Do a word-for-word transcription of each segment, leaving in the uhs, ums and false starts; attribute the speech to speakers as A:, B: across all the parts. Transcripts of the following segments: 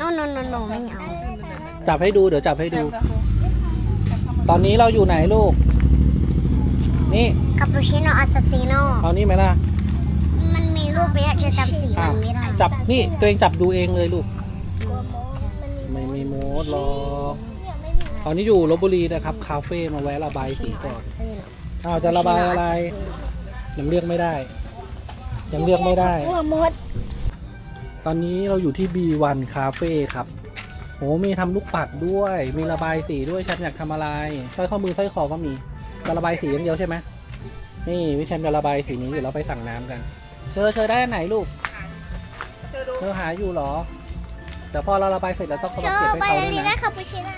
A: no no no no ไม่เอา
B: จับให้ดูเดี๋ยวจับให้ดู ตอนนี้เราอยู่ไหนลูกนี่
A: คาปูชิโน่อาซาซิโน่
B: เอานี่ไหมล่ะ
A: มันมีรูปไปอะจะจำสี
B: อ่ะ
A: มันไม่ได้
B: จับนี่ตัวเองจับดูเองเลยลูกไม่มีโมดหรอกตอนนี้อยู่ลพบุรีนะครับคาเฟ่มาแวะระบายสีก่อนอ้าวจะระบายอะไรยังเลือกไม่ได้ยังเลือกไม่ได้
A: หัวมด
B: ตอนนี้เราอยู่ที่ บี วัน Cafe ครับโหมีทำลูกปัดด้วย มีระบายสีด้วยแชมป์อยากทำอะไรสร้อยข้อมือสร้อยคอก็มีจะระบายสีอย่างเดียวใช่ไหมนี่วิแชมป์จะระบายสีนี้เดี๋ยวเราไปสั่งน้ำกัน เชอเชอได้อันไหนลูกเชอหาอยู่เหรอแต่พอเราระบายเสร็จเราต้องเอา
A: เช
B: มา
A: อ
B: เก็บ
A: ไป
B: ให้เขา
A: เลย
B: ด้วย
A: ได้
B: นะ
A: คาปูชิโน่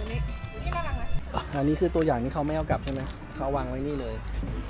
B: อันนี้คือตัวอย่างที่เขาไม่เอากลับใช่ไหมเขาวางไว้นี่เลย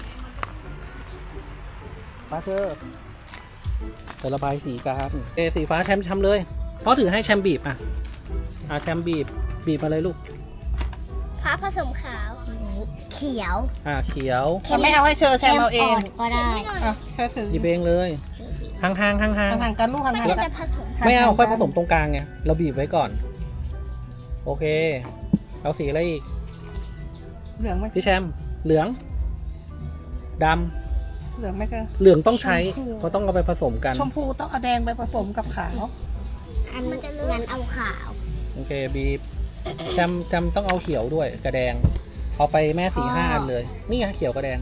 B: ป้าเชอจะระบายสีกันเอสีฟ้าแชมป์ทำเลยเพราะถือให้แชมป์บีบอ่ะอ่ะแชมป์บีบบีบมาเลยลูก
A: ฟ้าผสมขาว เขียว
B: อ่ะเขียว
C: ถ้าไม่เอาให้เชอแชมเอาเอง
A: ก็ได้
C: อ่ะเชอถือ
B: หยิบเองเลยห่างๆห่างๆห่าง
C: ห่างๆกันลูกห่าง
A: มัน
C: ๆกั
A: จะ
C: น
A: จะผสม
B: ๆไม่เอาค่อยผสมตรงกลางไงเราบีบไว้ก่อนโอเคเอาสีอะไรอีก
C: เหลืองไหม
B: พี่แชมป์เหลืองด
C: เหลืองไหมเชอ
B: ำเหลืองต้องใช้เพราะต้องเอาไปผสมกัน
C: ชมพูต้องเอาแดงไปผสมกับขาว
A: อันมันจะงั้นเอาขาว
B: โอเคบีบจำจำต้องเอาเขียวด้วยกระแดงเอาไปแม่สีห้าอันเลยนี่ไงเขียวกระแดง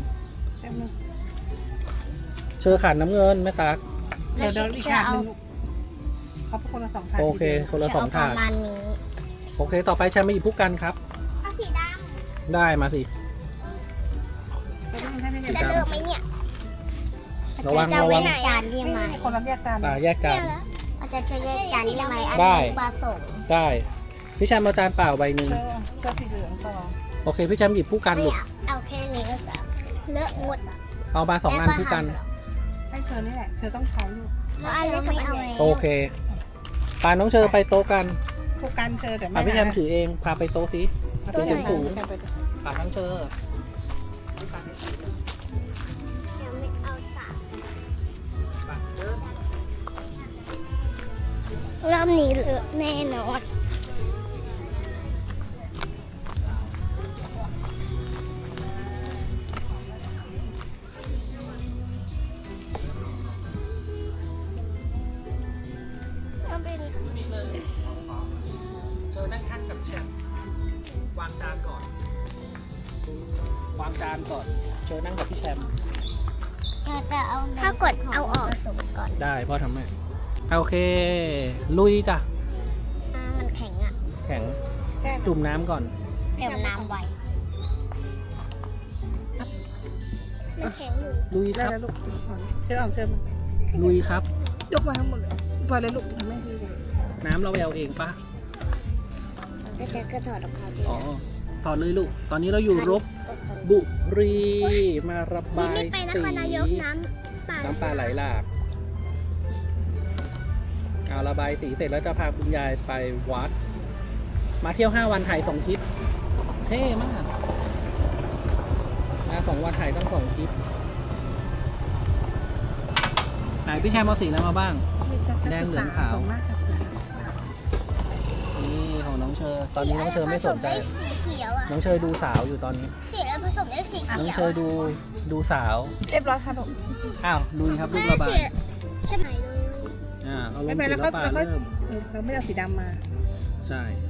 B: เชื่อขาดน้ำเงินแม่ตัก
C: เดี๋ยวเดี๋ยวอีกถาดหนึงลูกเขาเป็นคนละสองถาด
B: โอเคคนละสองถาด
A: ประมาณนี้
B: โอเคต่อไปแชมป์มาหยิบผู้กันครับ
A: เอาสีด
B: ได้มาสิ
A: ำจะเลือกไหมเนี่ย
B: ระวัง
A: จะ
B: ระ
A: ไว้
B: วัง
A: ไหนจานดี
C: นี่
A: ไหม
C: คนละแยกกัน
B: อ่าแยกกัน
A: เราจะจะแยกจานได้ไหมอัน
B: ได้
A: นี้ผสม
B: ได้พี่แชมป์เอาจานเปล่าใบหนึ่ง
C: เชอเชอสีเหลืองพอ
B: โอเคพี่แชมป์หยิบผู้กัน
A: ไม่
B: ลูก
A: เอาเอาแค่นี้ก็จะเลอะหมด
B: เอามาสองอันผู้กัน
C: ให้เชอนี่แหละเชอต้องใช้ลูก
A: แล้วอันเล็กก็ไม่เอาแล้ว
B: โอเคปาน้องเชอไปโต๊ะกัน
C: ผู้กันเชอแต่
B: อ่ะ
C: ไม่
B: พี่แชมป์ถือเองพาไปโต๊ะสิถือเสียงสูง
C: แชมไป
B: ปาทั้งเชอ
A: ยังไม่เอาสาม
B: ปาเดิน
A: รอบนี้เลอะแน่นอน
B: นี่เลยเชอนั่งข้างกับแชมป์วางจานก่อนวางจานก่อนเชอนั่งกับพี่แชมป์
A: จะเอาถ้ากดเอาออกสมก่อน
B: ได้พ่อทำให้โอเค ลุยจ้ะ
A: อ่ามันแข็งอ่ะ
B: แข็ง
C: แค่
B: จุ่มน้ำก่อน
A: เติมน้ำไว้มันแข็งอยู่
B: ลุยค
C: ได้
B: รับ
C: แล้วลูกเชอเอาเชอมา
B: ลุยครับ
C: ยกมาทั้งหมดเลยพอเลยลูกทำไม่ดีเลย
B: น้ำเราไปเอาเองปะ
A: ก็จะก็ถอดออกมาดี
B: อ๋อต่อเลยลูก ตอนนี้เราอยู่รบบุรีมาระบาย
A: ไม่ไปน
B: สี
A: ครนายกน้ำป่า
B: น้ำปลาไหลหลากเอาระบายสีเสร็จแล้วจะพาคุณยายไปวัด มาเที่ยวห้าวันถ่ายสองคลิป เท่มาก มาสองวันถ่ายตั้งสองคลิปไหนพี่แชมป์เอาสีอะไรมาบ้าง แดงเหลืองขาว นี่ของน้องเชอ ตอนนี้น้องเชอไม่สนใจ
A: ผมได้สีเขียวอ่ะ
B: น้องเชอดูสาวอยู่ตอนนี้
A: สีแล้วผสมได้สี
B: น้อง
A: เขียว
B: เชอดูดูสาว
C: เรียบร้อยค่ะลูก
B: อ้าวลุยครับลูก
A: แม่
B: ระบา
A: สี
B: ย
A: ใช่ไหมเลย
B: อ่าเอาล
C: ไม่
B: ง
C: เป็น
B: สี
C: ไรแล้ว
B: แล้ว
C: ก็
B: ปลา
C: แล้วก็
B: เริ่ม
C: เออเราไม่ได้เอาสีดำมา
B: ใช่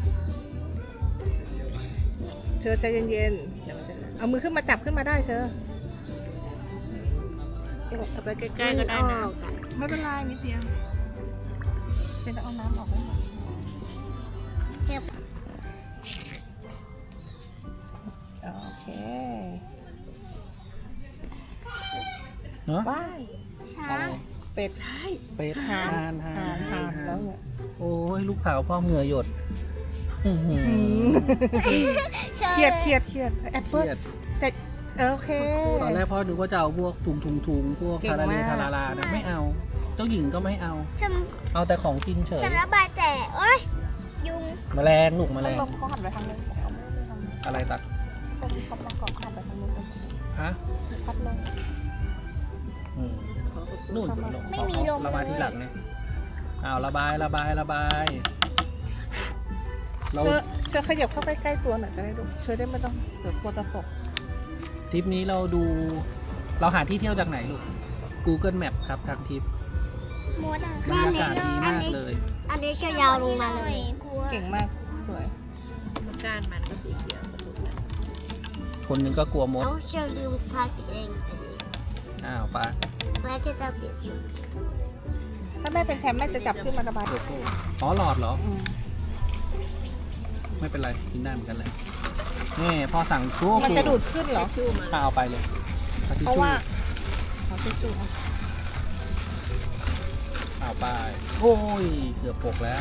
C: เชอใจเย็นๆเดี๋ยวมันจะเอามือขึ้นมาจับขึ้นมาได้เชอเอาไปใกล้ๆก็ได้นะ
A: ออกอะ
C: ไม่เป็นไรนิดเดียวเป็นต้องเอาน้ำออกให้หมด
A: เจ็บ
C: โอเค
B: เนาะ
C: ว้าย
A: ช้า
B: อะไร
C: เป็ดใช่
B: เป็ดทานทา
C: หาน
B: น
C: หานแล้วเนี่ย
B: โอ้ยลูกสาวพ่อเหงื่อหยดอื้อหือ
A: เชิญ
C: เครียดเครียดเครียดแอป
B: เค
C: เปิ้ล
B: รียด
C: แต่เออโอเค
B: ตอนแรกพ่อนึกว่าจะเอาพวกถุงถุงถุงพวก
C: เก่ง
B: ทาราเล
C: มาก
B: ทาราลานะไม่เอา เจ้าหญิงก็ไม่เอา
A: ฉัน
B: เอาแต่ของกินเฉย
A: ฉันระบายแต่โอ๊ยยุง
B: แมลงลูกแมลง
C: ลมเขาหันไปทางนู้นเขาไม่ได้ทางนี้
B: อะไรตัด
C: เขาเขาประกอบหันไปทางนู้น
B: ฮะ
C: พัดลม
B: อืมนู่น
A: ไม่มีลม
B: ระบาย
A: เล
B: ที่
A: ย
B: หลังเนี่ยอ้าวระบายระบายระบายเรา
C: เธอเธอขยับเข้าไปใกล้ตัวหน่อยก็ได้ลูกเธอได้ไม่ต้องเดี๋ยวกลัวจะตก
B: ทริปนี้เราดู เราหาที่เที่ยวจากไหนลูก Google Map ครับทางทริป
A: มดอ่ะ
B: บรรยากาศดีมากเลย
A: อันนี้เชียวยาวลงมาเลย
C: เก่งมากสวย
D: ก้านมันก็สีเขียวกับลูกแล้ว
B: คนหนึงก็กลัวมด
A: แล้วเชียวลืมทาสีแดงไปเลย
B: อ้าวปะ
A: แล้วจะจะสีชม
C: ถ้าแม่เป็นแคมแม่จะจับขึ้นมาระบายทุกคู่
B: อ๋อหลอดเหรอ
C: อืม
B: ไม่เป็นไร กินได้เหมือนกันเลยนี่พ่อสั่งชู้
C: มันจะดูดขึ้นเหรอ
D: ชู่มา
B: เอาไปเลยอทิช
C: เพราะ
B: ชู่
C: ว่าเอาทิชชู่
B: เอาไป โอ้ย เกือบปกแล้ว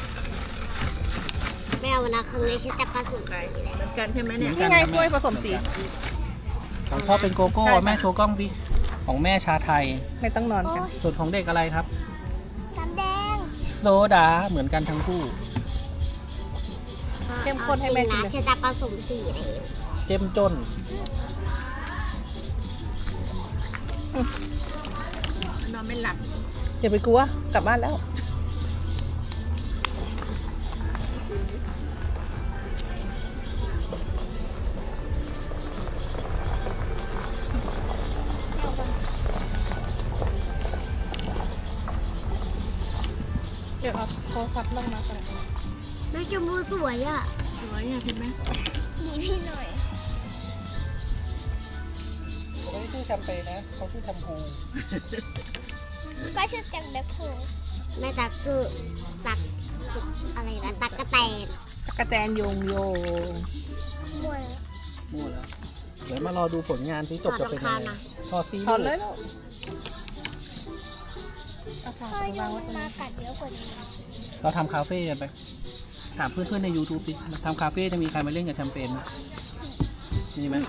A: ไม่เอานะครั้งนี้ฉันจะผสมสีแดง
D: เหมือนกันใช่ไหมเนี่ย
C: นี่ไงถ้วยผสมสี
B: ของพ่อเป็นโกโก้
C: ใช่ค่ะ
B: แม่โชว์กล้องดิของแม่ชาไทย
C: ไม่ต้องนอนกัน
B: ส่วนของเด็กอะไรครับ
A: น้ำแดง
B: โซดาเหมือนกันทั้งคู่
C: เข้มข้นให้แม่กิน
A: นะ
C: เลย
A: ฉันจะผสมสีแดง
B: เจ้มจน
D: นอนไม่หลับ
C: อย่าไปกลัวกลับบ้านแล้ว เดี๋ยวเอาโทรศัพท์ลงมาก่อน
A: แล้วชมพูสวยอ่ะ
D: สวยอ่ะเห็นไหม
A: มีพี่หน่อย
B: เขาชื่อแชมเปญนะเขาชื่อแชมพู
A: ก็ชื่อจังแบ็คโพแม่ตักคือตักอะไรนะตักกระแตน
C: กระแตนโยงโยง
A: มวย
B: มั่วแล้ว เดี๋ยวมารอดูผลงานที่จบจะเป็นยังไงทอดซี
C: ถอดเลยลูกเอาฝา
A: พ่อ
C: ไป
A: ยั
C: วาง
A: ง
C: ไว้ตรง
A: มา
C: นี้
A: กัดเยอะกว่านี้
B: เราทำคาเฟ่กันไป ถามเพื่อนๆใน YouTube สิทำคาเฟ่จะมีใครมาเล่นกับแชมเปญไหมมีไหม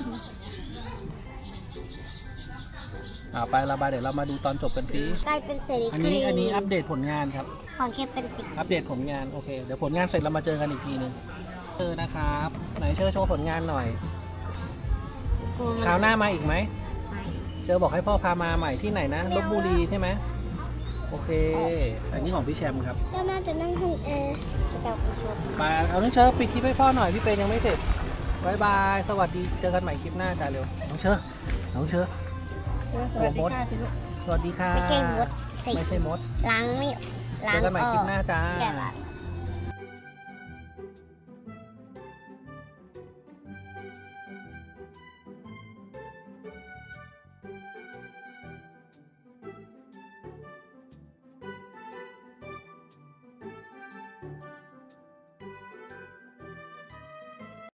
B: อ่าไประบายเดี๋ยวเรามาดูตอนจบกันสิ
A: กลายเป็นเซรี
B: อันนี้อันนี้อัปเดตผลงานครับ
A: ของแค่เป็นสี
B: อัปเดตผลงาน โอเค เดี๋ยวผลงานเสร็จเรามาเจอกันอีกทีหนึ่งเออนะครับ ไหนเชิญโชว์ผลงานหน่อย คราวหน้ามาอีกไหม เจอบอกให้พ่อพามาใหม่ที่ไหนนะลบบุรีใช่ไหมโอเค อันนี้ของพี่แชมป์ครับ
A: แล้วน่าจะนั่งห้องแอร์จะแบบผู้ชม
B: มาเอาน้องเชิญปิดคลิปให้พ่อหน่อยพี่เปนยังไม่เสร็จบายบาย สวัสดี เจอกันใหม่คลิปหน้าจ้าเร็ว น้องเชิญน้องเชิญ
C: สวัสดีค่ะสิลูก
B: สวัสดีค่ะ
A: ไม่ใช่มดสิ
B: ไม่ใช่มด
A: ล้างไม่
B: เจ
A: ล้าง
B: อกันใหม่
A: อ
B: คลิ
A: อ
B: ป
A: ก
B: หน้าจ้า
A: แบบ